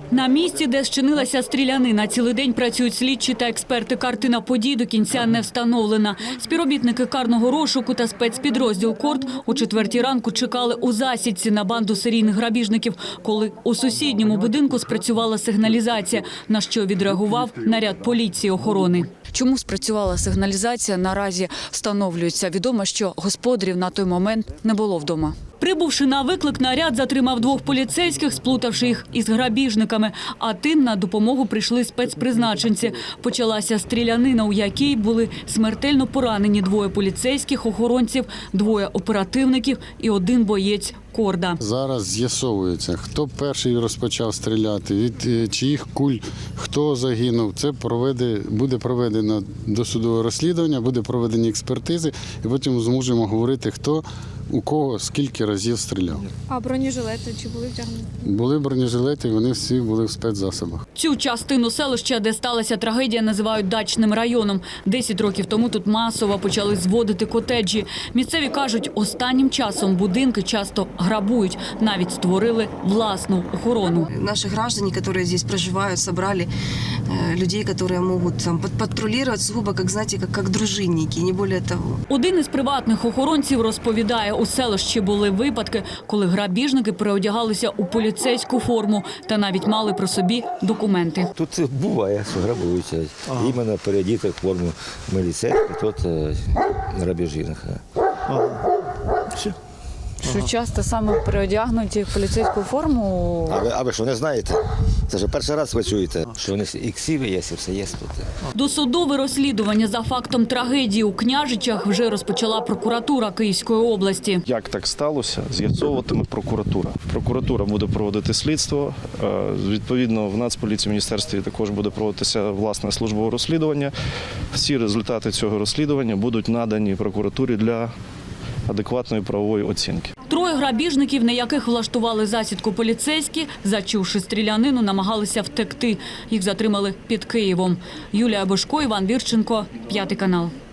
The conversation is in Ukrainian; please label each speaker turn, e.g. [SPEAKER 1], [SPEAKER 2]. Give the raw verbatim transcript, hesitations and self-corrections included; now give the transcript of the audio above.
[SPEAKER 1] На місці, де зчинилася стрілянина, цілий день працюють слідчі та експерти. Картина подій до кінця не встановлена. Співробітники карного розшуку та спецпідрозділ «Корд» о четвертій ранку чекали у засідці на банду серійних грабіжників, коли у сусідньому будинку спрацювала сигналізація, на що відреагував наряд поліції охорони. Чому спрацювала сигналізація, наразі встановлюється. Відомо, що господарів на той момент не було вдома. Прибувши на виклик, наряд затримав двох поліцейських, сплутавши їх із грабіжниками. А тим на допомогу прийшли спецпризначенці. Почалася стрілянина, у якій були смертельно поранені двоє поліцейських охоронців, двоє оперативників і один боєць «Корда».
[SPEAKER 2] Зараз з'ясовується, хто перший розпочав стріляти, від чиїх куль, хто загинув. Це проведе, буде проведено досудове розслідування, буде проведені експертизи, і потім зможемо говорити, хто у кого скільки разів стріляв.
[SPEAKER 3] А бронежилети чи були вдягнені?
[SPEAKER 2] Були бронежилети, вони всі були в спецзасобах.
[SPEAKER 1] Цю частину селища, де сталася трагедія, називають дачним районом. Десять років тому тут масово почали зводити котеджі. Місцеві кажуть, останнім часом будинки часто грабують. Навіть створили власну охорону.
[SPEAKER 4] Наши граждане, которые здесь проживают, собрали э, людей, которые могут там патрулировать сугубо, как, знаете, как, как дружинники, не более того.
[SPEAKER 1] Один із приватних охоронців розповідає, у селищі були випадки, коли грабіжники переодягалися у поліцейську форму та навіть мали при собі документи.
[SPEAKER 5] Тут буває, що грабуються. Ага. Іменно переодіти в форму міліцейську, тут грабіжних.
[SPEAKER 6] Ага.
[SPEAKER 5] Все.
[SPEAKER 7] Що часто саме переодягнуті в поліцейську форму.
[SPEAKER 5] А ви, а ви що, не знаєте? Це ж перший раз ви чуєте, що вони і ксиви є, і все є тут.
[SPEAKER 1] Досудове розслідування за фактом трагедії у Княжичах вже розпочала прокуратура Київської області.
[SPEAKER 6] Як так сталося, з'ясовуватиме прокуратура. Прокуратура буде проводити слідство. Відповідно, в Нацполіції, в міністерстві також буде проводитися власне службове розслідування. Всі результати цього розслідування будуть надані прокуратурі для адекватної правової оцінки.
[SPEAKER 1] Троє грабіжників, на яких влаштували засідку поліцейські, зачувши стрілянину, намагалися втекти. Їх затримали під Києвом. Юлія Бошко, Іван Вірченко, П'ятий канал.